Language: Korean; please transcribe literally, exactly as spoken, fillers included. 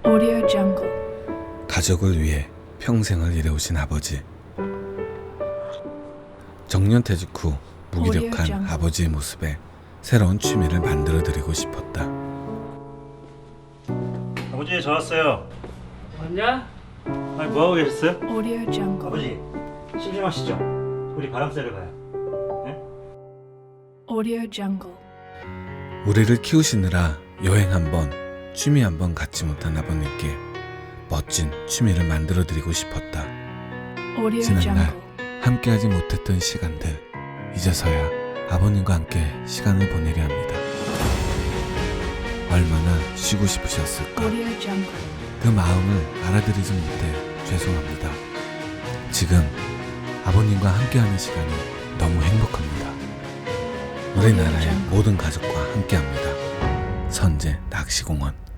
Audio Jungle. 가족을 위해 평생을 일해오신 아버지. 정년퇴직 후 무기력한 아버지의 모습에 새로운 취미를 만들어드리고 싶었다. 아버지, 저 왔어요. 왔냐? 아니, 뭐하고 계셨어요? Audio Jungle. 아버지, 심심하시죠? 우리 바람 쐬러 가요. Audio Jungle. 우리를 키우시느라 여행 한번, 취미 한번 갖지 못한 아버님께 멋진 취미를 만들어드리고 싶었다. Audio 지난날 Jungle. 함께하지 못했던 시간들, 이제서야 아버님과 함께 시간을 보내려 합니다. 얼마나 쉬고 싶으셨을까. Audio Jungle. 그 마음을 알아들이지 못해 죄송합니다. 지금 아버님과 함께하는 시간이 너무 행복합니다. 우리나라의 모든 가족과 함께합니다. 선제 낚시공원.